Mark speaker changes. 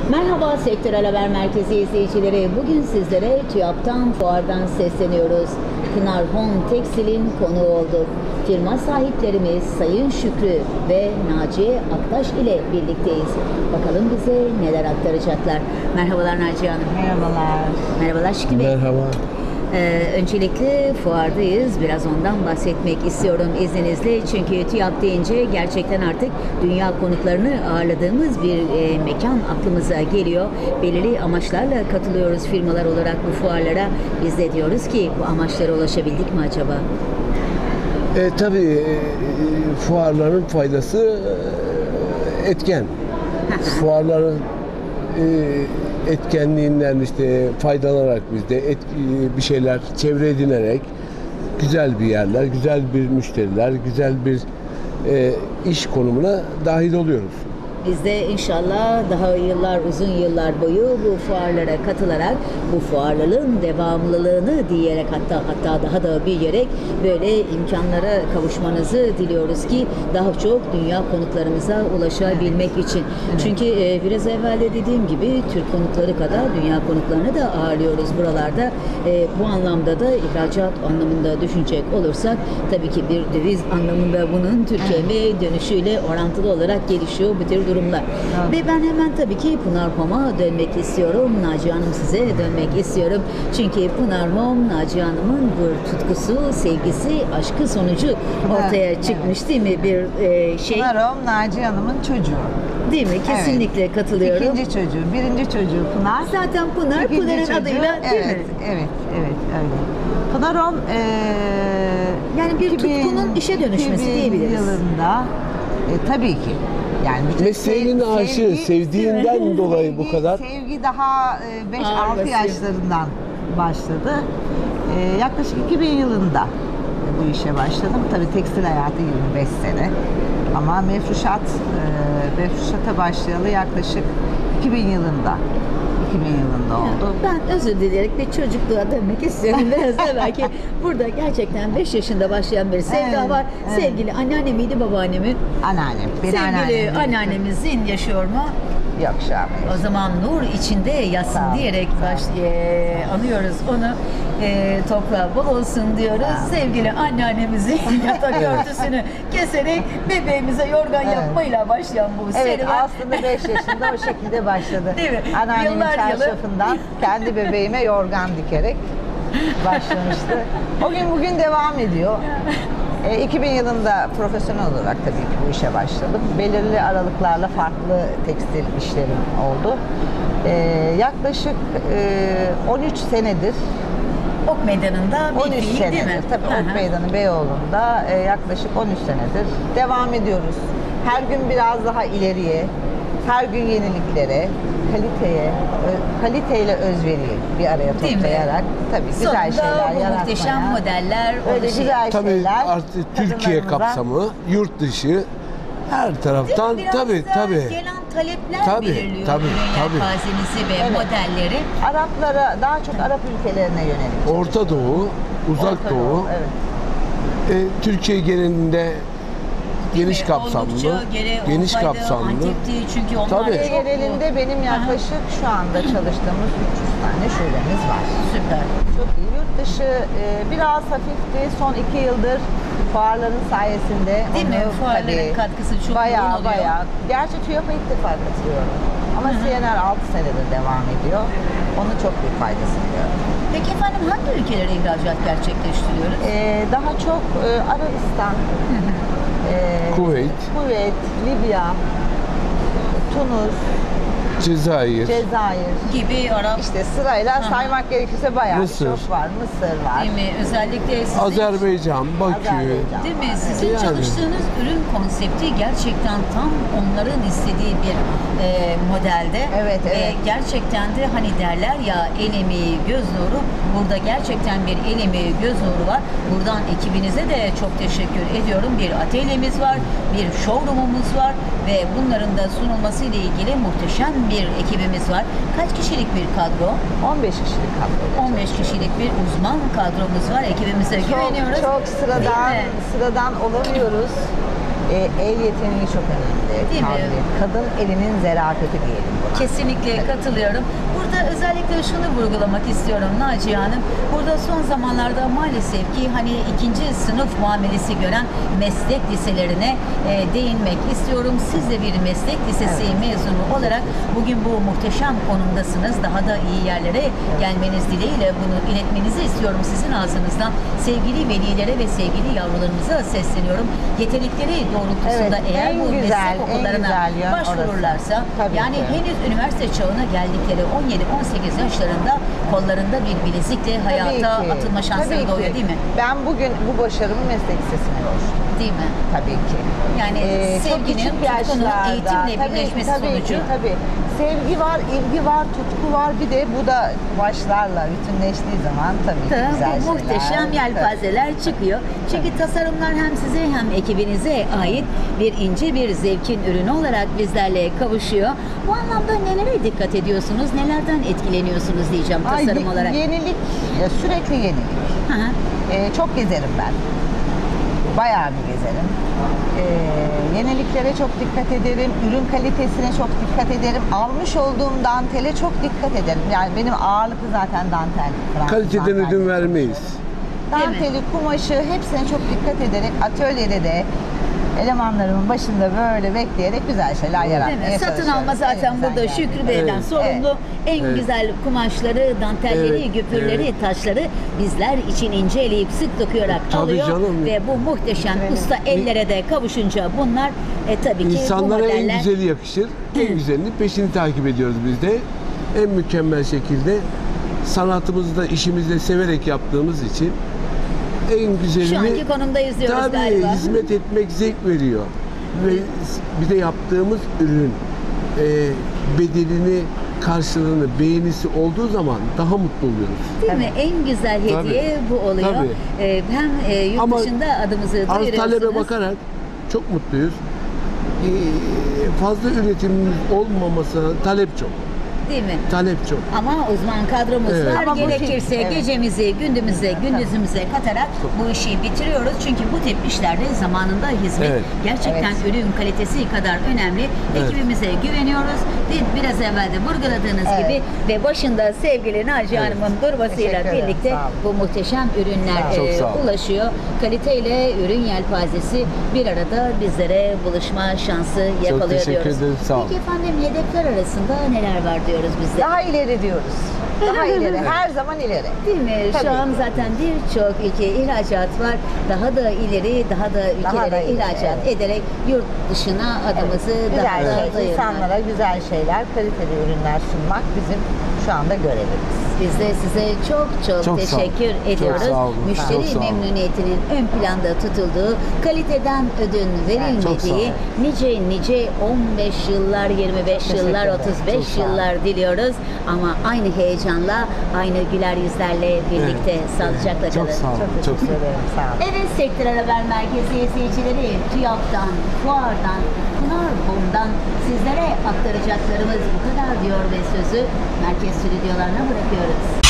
Speaker 1: Merhaba Sektörel Haber Merkezi izleyicileri. Bugün sizlere TÜYAP'tan, fuardan sesleniyoruz. Pınar Home Tekstil'in konuğu olduk. Firma sahiplerimiz Sayın Şükrü ve Naciye Aktaş ile birlikteyiz. Bakalım bize neler aktaracaklar. Merhabalar Naciye Hanım.
Speaker 2: Merhabalar.
Speaker 1: Merhabalar Şükrü Bey.
Speaker 3: Merhaba.
Speaker 1: Öncelikle fuardayız. Biraz ondan bahsetmek istiyorum izninizle. Çünkü TÜYAP deyince gerçekten artık dünya konuklarını ağırladığımız bir mekan aklımıza geliyor. Belirli amaçlarla katılıyoruz firmalar olarak bu fuarlara. Biz de diyoruz ki bu amaçlara ulaşabildik mi acaba?
Speaker 3: Tabii fuarların faydası etken. Fuarların etkenliğinden işte faydalanarak biz de bir şeyler çevre edinerek güzel bir yerler, güzel bir müşteriler, güzel bir iş konumuna dahil oluyoruz.
Speaker 1: Biz de inşallah daha uzun yıllar boyu bu fuarlara katılarak bu fuarların devamlılığını diyerek hatta daha da büyüyerek böyle imkanlara kavuşmanızı diliyoruz ki daha çok dünya konuklarımıza ulaşabilmek için. Çünkü biraz evvel de dediğim gibi Türk konukları kadar dünya konuklarını da ağırlıyoruz buralarda. Bu anlamda da ihracat anlamında düşünecek olursak tabii ki bir döviz anlamında bunun Türkiye'ye dönüşüyle orantılı olarak gelişiyor bu tür durumlar. Evet. Ve ben hemen tabii ki Pınar Home'a dönmek istiyorum. Naciye Hanım size dönmek istiyorum. Çünkü Pınar Home, Naciye Hanım'ın bu tutkusu, sevgisi, aşkı sonucu ortaya çıkmış değil mi? Bir şey.
Speaker 2: Pınar Home, Naciye Hanım'ın çocuğu.
Speaker 1: Değil mi? Kesinlikle evet. Katılıyorum.
Speaker 2: İkinci çocuğu, birinci çocuğu Pınar.
Speaker 1: Zaten Pınar, Pınar'ın adıyla değil mi?
Speaker 2: Evet, öyle. Pınar Home,
Speaker 1: yani bir tutkunun işe dönüşmesi diyebiliriz.
Speaker 2: Yılında, tabii ki. Yani
Speaker 3: mesleğinin aşığı, sevdiğinden dolayı bu kadar.
Speaker 2: Sevgi daha 5-6 yaşlarından başladı. Yaklaşık 2000 yılında bu işe başladım. Tabii tekstil hayatı 25 sene. Ama mefruşata başlayalı yaklaşık 2000 yılında. 2000 yılında oldu.
Speaker 1: Ben özür dileyerek bir çocukluğa dönmek istiyorum. Biraz da belki burada gerçekten 5 yaşında başlayan bir sevda var. Evet. Sevgili anneanne miydi, babaannemi?
Speaker 2: Anneannem.
Speaker 1: Sevgili anneannemizin yaşıyor mu?
Speaker 2: Yok şu an.
Speaker 1: O zaman nur içinde yatsın diyerek anıyoruz onu. Toprağı bol olsun diyoruz. Sevgili anneannemizin yatak örtüsünü keserek bebeğimize yorgan yapmayla başlayan bu serüven.
Speaker 2: Evet, aslında 5 yaşında o şekilde başladı.
Speaker 1: Değil mi?
Speaker 2: Anneannemin çarşafından kendi bebeğime yorgan dikerek başlamıştı. O gün bugün devam ediyor. 2000 yılında profesyonel olarak tabii ki bu işe başladım. Belirli aralıklarla farklı tekstil işlerim oldu. Yaklaşık 13 senedir
Speaker 1: Ok Meydanı'nda bir
Speaker 2: 13
Speaker 1: fiil
Speaker 2: senedir,
Speaker 1: değil mi?
Speaker 2: Tabii Ok Meydanı Beyoğlu'nda yaklaşık 13 senedir devam ediyoruz. Her gün biraz daha ileriye, her gün yeniliklere, kaliteyle özveriyi bir araya toplayarak tabii güzel şeyler yaratmaya.
Speaker 1: Muhteşem modeller,
Speaker 2: öyle güzel
Speaker 3: tabii
Speaker 2: şeyler.
Speaker 3: artık Türkiye kapsamı, yurt dışı her taraftan tabii.
Speaker 1: Gelen talepler belirliyor yelpazenizi ve modelleri.
Speaker 2: Araplara, daha çok Arap ülkelerine yönelik.
Speaker 3: Orta Doğu, Uzak Doğu.
Speaker 2: Evet.
Speaker 3: Türkiye genelinde geniş kapsamlı. Geniş kapsamlı.
Speaker 1: Antep'ti çünkü onlar
Speaker 2: Türkiye genelinde benim yaklaşık şu anda çalıştığımız 300 tane şubemiz var.
Speaker 1: Süper.
Speaker 2: Çok iyi. Yurt dışı biraz hafifti. Son 2 yıldır fuarların sayesinde.
Speaker 1: Değil mi? Fuarların katkısı çok yoğun oluyor.
Speaker 2: Bayağı. Gerçi TÜYAP'a ilk defa katılıyorum. Ama CNR 6 senedir devam ediyor. Onun çok büyük faydası diyorum.
Speaker 1: Peki efendim hangi ülkelere ihracat gerçekleştiriyoruz?
Speaker 2: Daha çok Arabistan,
Speaker 3: Kuveyt,
Speaker 2: Libya, Tunus,
Speaker 3: Cezayir
Speaker 1: gibi Arap.
Speaker 2: İşte sırayla saymak gerekirse bayağı
Speaker 3: Mısır.
Speaker 2: çok var. Mısır var.
Speaker 1: Değil mi? Özellikle sizin,
Speaker 3: Azerbaycan, Bakü.
Speaker 1: Değil mi? Sizin çalıştığınız ürün konsepti gerçekten tam onların istediği bir modelde.
Speaker 2: Evet.
Speaker 1: Gerçekten de hani derler ya el emeği göz nuru. Burada gerçekten bir el emeği göz nuru var. Buradan ekibinize de çok teşekkür ediyorum. Bir atölyemiz var, bir showroomumuz var ve bunların da sunulması ile ilgili muhteşem bir ekibimiz var. Kaç kişilik bir kadro?
Speaker 2: 15 kişilik kadro.
Speaker 1: 15 kişilik bir uzman kadromuz var. Ekibimize güveniyoruz.
Speaker 2: Çok sıradan olamıyoruz. El yeteneği çok önemli.
Speaker 1: Değil mi?
Speaker 2: Tabii. Kadın elinin zerafeti diyelim buna.
Speaker 1: Kesinlikle katılıyorum. Burada özellikle şunu vurgulamak istiyorum Naciye Hanım. Burada son zamanlarda maalesef ki hani ikinci sınıf muamelesi gören meslek liselerine değinmek istiyorum. Siz de bir meslek lisesi mezunu olarak bugün bu muhteşem konumdasınız. Daha da iyi yerlere gelmeniz dileğiyle bunu iletmenizi istiyorum sizin ağzınızdan. Sevgili velilere ve sevgili yavrularımıza sesleniyorum. Yetenekleri doğrultusunda
Speaker 2: Evet,
Speaker 1: eğer
Speaker 2: en
Speaker 1: bu
Speaker 2: güzel,
Speaker 1: meslek
Speaker 2: en
Speaker 1: okullarına
Speaker 2: güzel yön
Speaker 1: başvururlarsa
Speaker 2: orası. Tabii
Speaker 1: yani
Speaker 2: ki.
Speaker 1: henüz üniversite çağına geldikleri 17-18 yaşlarında kollarında bir bilezikle hayata
Speaker 2: Tabii ki,
Speaker 1: atılma şansları
Speaker 2: tabii
Speaker 1: doğuyor
Speaker 2: ki.
Speaker 1: değil mi?
Speaker 2: Ben bugün bu başarımı meslek lisesine borçluyum.
Speaker 1: Değil mi?
Speaker 2: Tabii ki.
Speaker 1: Yani
Speaker 2: Çok
Speaker 1: sevginin,
Speaker 2: küçük
Speaker 1: tutkunun
Speaker 2: yaşlarda,
Speaker 1: eğitimle
Speaker 2: tabii,
Speaker 1: birleşmesi
Speaker 2: tabii
Speaker 1: sonucu.
Speaker 2: Ki, tabii. Sevgi var, ilgi var, tutku var. Bir de bu da başlarla bütünleştiği zaman tabii ki güzel
Speaker 1: Bu
Speaker 2: şeyler.
Speaker 1: muhteşem yelpazeler çıkıyor. Çünkü tasarımlar hem size hem ekibinize ait bir ince bir zevkin ürünü olarak bizlerle kavuşuyor. Bu anlamda nelere dikkat ediyorsunuz? Nelerden etkileniyorsunuz diyeceğim tasarım olarak?
Speaker 2: Yenilik, sürekli yenilik.
Speaker 1: Hı hı.
Speaker 2: Çok gezerim ben. Bayağı bir gezerim. Yeniliklere çok dikkat ederim. Ürün kalitesine çok dikkat ederim. Almış olduğum dantele çok dikkat ederim. Yani benim ağırlıklı zaten dantel. Fransız
Speaker 3: Kaliteden
Speaker 2: dantel.
Speaker 3: ödün vermeyiz.
Speaker 2: Danteli, kumaşı hepsine çok dikkat ederek atölyede de elemanlarımın başında böyle bekleyerek güzel şeyler
Speaker 1: Değil
Speaker 2: yaratmaya
Speaker 1: mi? Satın
Speaker 2: çalışıyorum.
Speaker 1: alma zaten
Speaker 2: Elimizden
Speaker 1: burada
Speaker 2: geldiğince.
Speaker 1: Şükrü Bey'den
Speaker 3: Evet.
Speaker 1: sorumlu. En
Speaker 3: Evet.
Speaker 1: güzel kumaşları, dantelleri,
Speaker 3: Evet,
Speaker 1: güpürleri,
Speaker 3: evet.
Speaker 1: taşları bizler için inceleyip sık dokuyarak
Speaker 3: Tabii
Speaker 1: alıyor.
Speaker 3: canım.
Speaker 1: Ve bu muhteşem
Speaker 2: Evet.
Speaker 1: usta ellere de kavuşunca bunlar tabii ki bu
Speaker 3: İnsanlara en
Speaker 1: modeller
Speaker 3: güzeli yakışır. En güzelini peşini takip ediyoruz biz de. En mükemmel şekilde sanatımızı da işimizi de severek yaptığımız için en güzelini
Speaker 1: şu anki konumda izliyoruz
Speaker 3: tabii
Speaker 1: galiba.
Speaker 3: hizmet etmek zevk veriyor. Ve bir de yaptığımız ürün bedelini, karşılığını, beğenisi olduğu zaman daha mutlu oluyoruz.
Speaker 1: Değil mi? En güzel hediye bu oluyor.
Speaker 3: Tabii.
Speaker 1: Hem yurt
Speaker 3: Ama
Speaker 1: dışında adımızı
Speaker 3: Arz
Speaker 1: duyuruyorsunuz.
Speaker 3: talebe bakarak çok mutluyuz. Fazla üretimimiz olmaması talep çok.
Speaker 1: Değil mi?
Speaker 3: Talep çok.
Speaker 1: Ama uzman kadromuz
Speaker 3: Evet.
Speaker 1: var.
Speaker 2: Ama bu
Speaker 1: Gerekirse
Speaker 2: evet.
Speaker 1: gecemizi, gündüzümüze katarak bu işi bitiriyoruz. Çünkü bu tip işlerde zamanında hizmet
Speaker 3: Evet.
Speaker 1: gerçekten
Speaker 2: Evet.
Speaker 1: ürün kalitesi kadar önemli.
Speaker 3: Evet.
Speaker 1: Ekibimize güveniyoruz. Biraz evvel de vurguladığınız
Speaker 2: Evet.
Speaker 1: gibi ve başında sevgili Naciye
Speaker 3: Evet.
Speaker 1: Hanım'ın durmasıyla
Speaker 2: Teşekkür ederim.
Speaker 1: birlikte
Speaker 2: Sağ olun.
Speaker 1: bu muhteşem ürünler
Speaker 3: Çok sağ olun.
Speaker 1: ulaşıyor. Kaliteyle ürün yelpazesi bir arada bizlere buluşma şansı yakalıyor
Speaker 3: teşekkür
Speaker 1: diyoruz.
Speaker 3: ederim, sağ olun.
Speaker 1: Peki efendim hedefler arasında neler var diyoruz biz de?
Speaker 2: Daha ileri diyoruz. Daha ileri. Her zaman ileri.
Speaker 1: Değil mi?
Speaker 2: Tabii.
Speaker 1: Şu an zaten birçok ülke ihracat var. Daha da ileri, daha da ülkelere
Speaker 2: da ileri,
Speaker 1: ihracat
Speaker 2: evet.
Speaker 1: ederek yurt dışına adımızı
Speaker 2: Güzel
Speaker 1: daha da
Speaker 2: şey,
Speaker 1: dayırmak.
Speaker 2: insanlara güzel şeyler, kaliteli ürünler sunmak bizim şu anda görevimiz.
Speaker 1: Biz de size çok
Speaker 3: Çok sağ olun.
Speaker 1: teşekkür
Speaker 3: Çok
Speaker 1: ediyoruz.
Speaker 3: sağ olun.
Speaker 1: Müşteri
Speaker 3: Çok sağ olun.
Speaker 1: memnuniyetinin ön planda tutulduğu, kaliteden ödün
Speaker 3: Çok sağ
Speaker 1: verilmediği
Speaker 3: olun.
Speaker 1: nice 15 yıllar, 25
Speaker 2: Teşekkür
Speaker 1: yıllar,
Speaker 2: ederim.
Speaker 1: 35
Speaker 2: Çok sağ olun.
Speaker 1: yıllar diliyoruz. Ama aynı heyecanla, aynı güler yüzlerle birlikte sağlıcakla
Speaker 3: Çok
Speaker 1: kalın.
Speaker 3: sağ olun.
Speaker 2: Çok
Speaker 3: Çok
Speaker 2: teşekkür ederim. Sağ olun.
Speaker 1: Evet, Sektör Haber Merkezi izleyicileri, TÜYAP'tan, Fuar'dan, Pınarboom'dan sizlere aktaracaklarımız bu kadar diyor ve sözü merkez stüdyolarına bırakıyoruz.